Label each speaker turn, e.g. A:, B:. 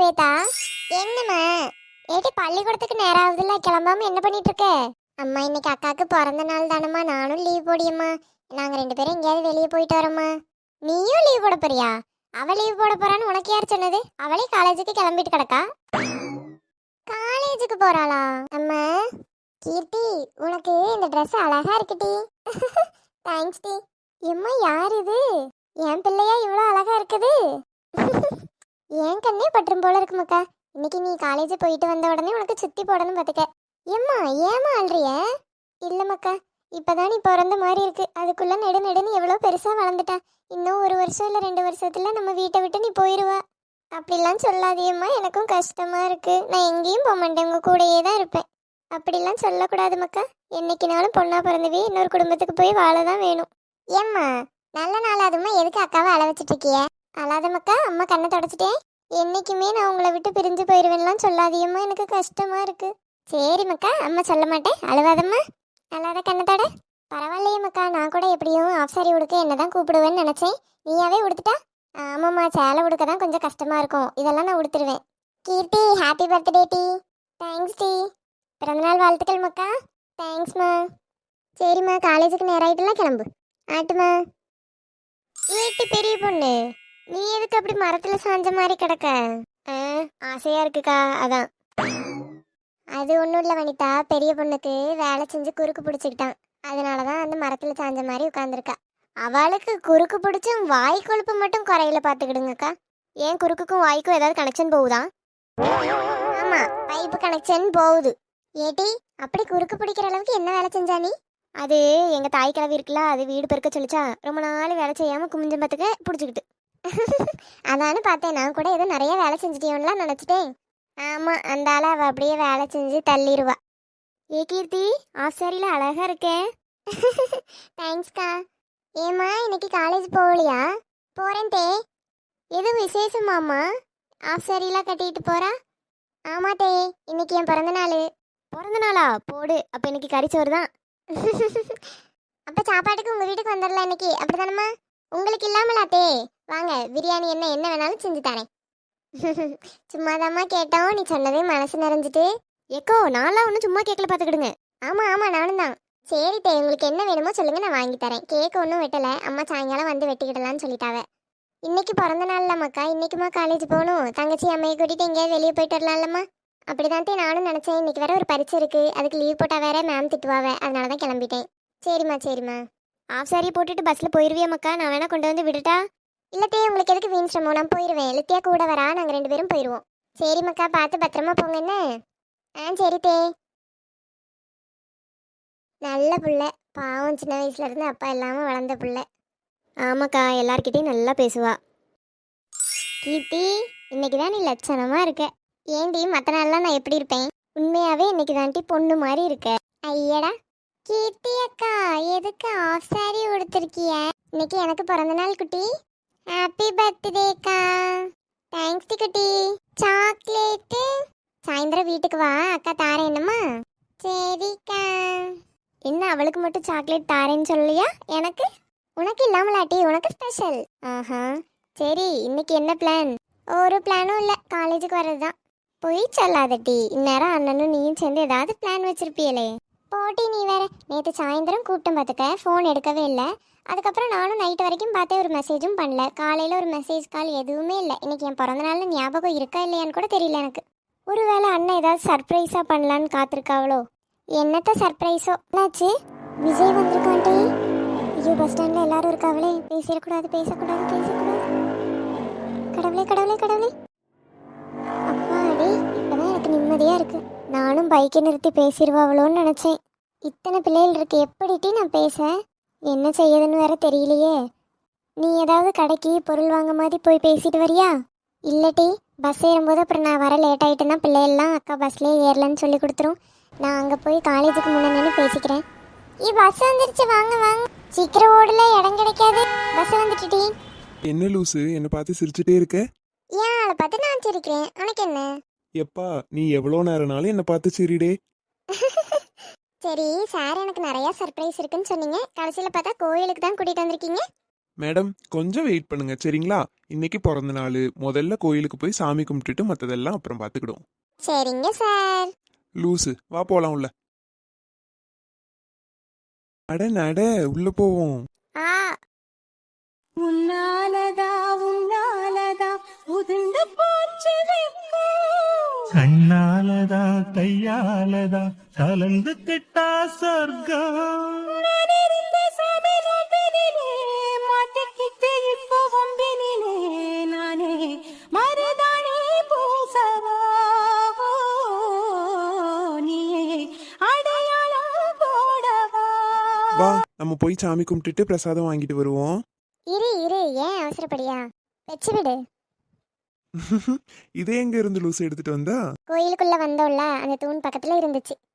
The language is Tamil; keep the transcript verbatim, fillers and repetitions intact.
A: ஸ்வேதா, என்னம்மா? ஏடி பள்ளிக்கூடத்துக்கு நேரம் ஆகுதுல்ல, கிளம்பாம என்ன பண்ணிட்டு இருக்க? அம்மா இன்னைக்கு அக்காவுக்கு பிறந்த நாள் தானம்மா, நானும் லீவ் போடியம்மா. நாங்க ரெண்டு பேரும் எங்கேயாவது வெளியே போயிட்டு வரோம்மா. நீயும் லீவ் போட போறியா? அவ லீவ் போட போறான்னு உனக்கு யார் சொன்னது? அவளே காலேஜுக்கு கிளம்பிட்டு கிடக்கா. காலேஜுக்கு போறாளா? அம்மா கீர்த்தி, உனக்கு இந்த ட்ரெஸ் அழகா இருக்குடி. தேங்க்ஸ் டி. எம்மா யார் இது? என் பிள்ளையா இவ்வளோ அழகா இருக்குது? என் கண்ணே பற்றும் போல இருக்கு மக்கா. இன்னைக்கு நீ காலேஜ் போயிட்டு வந்த உடனே உனக்கு சுத்தி போடணும் பார்த்துக்க. ஏம்மா ஏமா அல்றிய? இல்ல மக்கா, இப்பதான் நீ பிறந்த மாதிரி இருக்கு. அதுக்குள்ள நெடு நெடுன்னு எவ்வளோ பெருசா வளர்ந்துட்டா. இன்னும் ஒரு வருஷம் இல்லை ரெண்டு வருஷத்துல நம்ம வீட்டை விட்டு நீ போயிடுவா. அப்படிலாம் சொல்லாதியம்மா, எனக்கும் கஷ்டமா இருக்கு. நான் எங்கேயும் போக மாட்டேன், உங்க கூடயே தான் இருப்பேன். அப்படிலாம் சொல்லக்கூடாது மக்கா. என்னைக்குனாலும் பொண்ணா பிறந்தவே இன்னொரு குடும்பத்துக்கு போய் வாழ தான் வேணும். ஏம்மா நல்ல நாளாதுமா, எதுக்கு அக்காவை அழ வச்சுட்டு இருக்கிய? அழாத மக்கா, அம்மா கண்ணை தொடச்சிட்டேன். என்னைக்குமே நான் உங்களை விட்டு பிரிஞ்சு போயிடுவேன்லாம் சொல்லாதியம்மா, எனக்கு கஷ்டமா இருக்கு. சரி மக்கா, அம்மா சொல்ல மாட்டேன், அழுவாதம்மா. அழாத கண்ணத்தோட. பரவாயில்லையே மக்கா, நான் கூட எப்படியும் ஆஃப் சாரி உடுக்க என்னதான் கூப்பிடுவேன்னு நினைச்சேன். நீயாவே உடுத்துட்டா? ஆமாம்மா, சேலை உடுக்க தான் கொஞ்சம் கஷ்டமா இருக்கும். இதெல்லாம் நான் உடுத்துருவேன். கீர்த்தி, ஹாப்பி பர்த்டே டி. தேங்க்ஸ் டி. பிறந்தநாள் வாழ்த்துக்கள் மக்கா. தேங்க்ஸ்மா. சரிம்மா, காலேஜுக்கு நேரம் ஆயிட்டுலாம் கிளம்பு. ஆட்டுமா. ஏட்டு பெரிய பொண்ணு, நீ எதுக்கு அப்படி மரத்துல சாஞ்ச மாதிரி கிடக்க? ஆசையா இருக்குக்கா, அதான். அது ஒன்றும் இல்லை வனிதா, பெரிய பொண்ணுக்கு வேலை செஞ்சு குறுக்கு பிடிச்சிக்கிட்டான். அதனாலதான் அந்த மரத்துல சாஞ்ச மாதிரி உட்காந்துருக்கா. அவளுக்கு குறுக்கு பிடிச்சும் வாய் கொழுப்பு மட்டும் குறையில பார்த்துக்கிடுங்கக்கா. ஏன் குறுக்குக்கும் வாய்க்கும் ஏதாவது கனெக்ஷன் போகுதா? ஆமா, பைப்பு கனெக்ஷன் போகுது. ஏடி, அப்படி குறுக்கு பிடிக்கிற அளவுக்கு என்ன வேலை செஞ்சா நீ? அது எங்க தாய் கிழவி இருக்குல்ல, அது வீடு பெருக்க சொல்லிச்சா, ரொம்ப நாள் வேலை செய்யாம குமிஞ்சம் பார்த்துக்க பிடிச்சிக்கிட்டு. அதானு பார்த்தேன், நான் கூட ஏதோ நிறைய வேலை செஞ்சுட்டியோன்லாம் நினச்சிட்டேன். ஆமா, அந்த ஆளை அவள் அப்படியே வேலை செஞ்சு தள்ளிடுவா. ஏ கீர்த்தி, ஆஃப் சாரியில் அழகா இருக்கேன். தேங்க்ஸ்க்கா. ஏம்மா இன்னைக்கு காலேஜ் போகலையா? போறேன் தே. எது விசேஷமாம்மா ஆஃப் சாரிலாம் கட்டிட்டு போறா? ஆமா தே, இன்னைக்கு என் பிறந்த நாள். பிறந்த நாளா? போடு, அப்போ இன்னைக்கு கறிச்சோறு தான். அப்ப சாப்பாட்டுக்கு உங்க வீட்டுக்கு வந்துடலாம் இன்னைக்கு, அப்படிதானம்மா? உங்களுக்கு இல்லாமலாத்தே, வாங்க பிரியாணி என்ன என்ன வேணாலும் செஞ்சு தரேன். சும்மாதாம்மா கேட்டோம், நீ சொன்னதே மனசு நிறைஞ்சிட்டு. ஏக்கோ, நான்லாம் ஒன்றும் சும்மா கேட்கல, பார்த்துக்கிடுங்க. ஆமா ஆமா, நானும் தான். சரி தே, உங்களுக்கு என்ன வேணுமோ சொல்லுங்க, நான் வாங்கி தரேன். கேக் ஒன்றும் வெட்டலை, அம்மா சாயங்காலம் வந்து வெட்டிக்கிடலான்னு சொல்லிட்டாவ. இன்னைக்கு பிறந்த நாள்ல மக்கா, இன்னைக்குமா காலேஜ் போகணும்? தங்கச்சி அம்மையை கூட்டிட்டு எங்கேயாவது வெளியே போயிட்டு வரலாம்லம்மா? அப்படிதான் தே நானும் நினச்சேன். இன்னைக்கு வேற ஒரு பரீட்சை இருக்கு, அதுக்கு லீவ் போட்டால் வேற மேம் திட்டுவாவ, அதனால தான் கிளம்பிட்டேன். சரிம்மா சரிம்மா. ஆஃப் சாரி போட்டுட்டு பஸ்ஸில் போயிடுவியா மக்கா? நான் வேணா கொண்டு வந்து விட்டுட்டா? இல்லத்தே, உங்களுக்கு எதுக்கு வீண் சிரமம், நான் போயிடுவேன். லித்தியா கூட வரா, நாங்கள் ரெண்டு பேரும் போயிடுவோம். சரி மக்கா, பார்த்து பத்திரமா போங்க என்ன. ஆ சரி தே. நல்ல புள்ள, பாவம், சின்ன வயசுல இருந்து அப்பா இல்லாமல் வளர்ந்த புள்ள. ஆமாக்கா, எல்லார்கிட்டையும் நல்லா பேசுவா. கீர்த்தி, இன்னைக்கு தான் நீ லட்சணமாக இருக்க. ஏண்டி மற்ற நாள்லாம் நான் எப்படி இருப்பேன்? உண்மையாவே இன்னைக்கு தாண்டி பொண்ணு மாதிரி இருக்க. ஐயடா. கீர்த்தி அக்கா, எதுக்கு ஆஃப் சாரி உடுத்திருக்கிய? இன்னைக்கு எனக்கு பிறந்த நாள் குட்டி. ஹாப்பி பர்த்டேக்கா. தேங்க்ஸ் டி குட்டி. சாக்லேட்டு சாயந்தரம் வீட்டுக்கு வா, அக்கா தாரேன் என்னம்மா? சரிக்கா. என்ன அவளுக்கு மட்டும் சாக்லேட் தாரேன்னு சொல்லியா? எனக்கு உனக்கு இல்லாமலாட்டி, உனக்கு ஸ்பெஷல். ஆஹா சரி, இன்னைக்கு என்ன பிளான்? ஒரு பிளானும் இல்லை, காலேஜுக்கு வர்றது தான். போய் சொல்லாதட்டி, இந்நேரம் அண்ணனும் நீயும் சேர்ந்து ஏதாவது பிளான் வச்சிருப்பியலே. போட்டி நீ வேற. நேற்று சாயந்தரம் கூட்டம் பார்த்துக்க, ஃபோன் எடுக்கவே இல்லை. அதுக்கப்புறம் நானும் நைட்டு வரைக்கும் பார்த்தேன், ஒரு மெசேஜும் பண்ணல. காலையில் ஒரு மெசேஜ் கால் எதுவுமே இல்லை. இன்னைக்கு என் பிறந்த நாள் ஞாபகம் இருக்கா இல்லையான்னு கூட தெரியல எனக்கு. ஒருவேளை அண்ணன் ஏதாவது சர்ப்ரைஸாக பண்ணலான்னு காத்திருக்காவளோ? என்னத்த சர்ப்ரைஸோ? என்னாச்சு? விஜய் வந்திருக்கான்ட்டே. ஐயோ, பஸ் ஸ்டாண்டில் எல்லாரும் இருக்காவளே. பேசிடக்கூடாது பேசக்கூடாது பேசக்கூடாது. கடவுளே கடவுளே கடவுளே. அப்பாடி, இப்போதான் எனக்கு நிம்மதியாக இருக்கு. நானும் பைக்கை நிறுத்தி பேசிடுவாவளோன்னு நினச்சேன். இத்தனை பிள்ளைகள் இருக்கு, எப்படிட்டி நான் பேச? என்ன செய்யுதுன்னு வேற தெரியலையே. நீ ஏதாவது கடைக்கு பொருள் வாங்க மாதிரி போய் பேசிட்டு வரியா? இல்லட்டி, பஸ் ஏறும்போது அப்புறம் நான் வர லேட் ஆகிட்டேன்னா பிள்ளைகள்லாம் அக்கா பஸ்லேயே ஏறலன்னு சொல்லி கொடுத்துரும். நான் அங்கே போய் காலேஜுக்கு முன்னாடி பேசிக்கிறேன். ஏ பஸ் வந்துருச்சு, வாங்க வாங்க. சீக்கிரம் ஓடல, இடம் கிடைக்காது. பஸ் வந்துட்டுடி.
B: என்ன லூசு, என்னை பார்த்து சிரிச்சுட்டே இருக்க?
A: ஏன் ஆளை பார்த்து நான் சிரிக்கிறேன், உனக்கு என்ன?
B: எப்பா, நீ எவ்வளோ நேரம்னாலும் என்னை பார்த்து சிரிடே.
A: சரி சார், எனக்கு நிறைய சர்ப்ரைஸ் இருக்குன்னு சொன்னீங்க, கடைசியில் பார்த்தா கோயிலுக்கு தான் கூட்டிகிட்டு வந்திருக்கீங்க.
B: மேடம் கொஞ்சம் வெயிட் பண்ணுங்க சரிங்களா? இன்னைக்கு பிறந்த நாள், முதல்ல கோயிலுக்கு போய் சாமி கும்பிட்டுட்டு மற்றதெல்லாம் அப்புறம் பார்த்துக்கிடுவோம்.
A: சரிங்க சார்.
B: லூசு வா போலாம் உள்ள. அட நட உள்ள போவோம்.
A: ஆ
C: உன்னாலதா உன்னாலதா உதிர்ந்து போச்சு வெக்கம்.
D: கண்ணாலதா கையாலதா கலந்து கிட்டா சொர்க்கம்.
C: நான் இருந்த சாமி நோம்பினிலே, மாட்டிக்கிட்டு இப்போ வம்பினிலே, நானே மருதாணி பூசவா, நீயே அடையாளம் போடவா.
B: வா நம்ம போய் சாமி கும்பிட்டுட்டு பிரசாதம் வாங்கிட்டு வருவோம்.
A: இரு இரு, ஏன் அவசரப்படியா? வச்சு விடு.
B: இதே எங்க இருந்து லூசு எடுத்துட்டு வந்தா?
A: கோயிலுக்குள்ள வந்தோம்ல, அந்த தூண் பக்கத்துல இருந்துச்சு.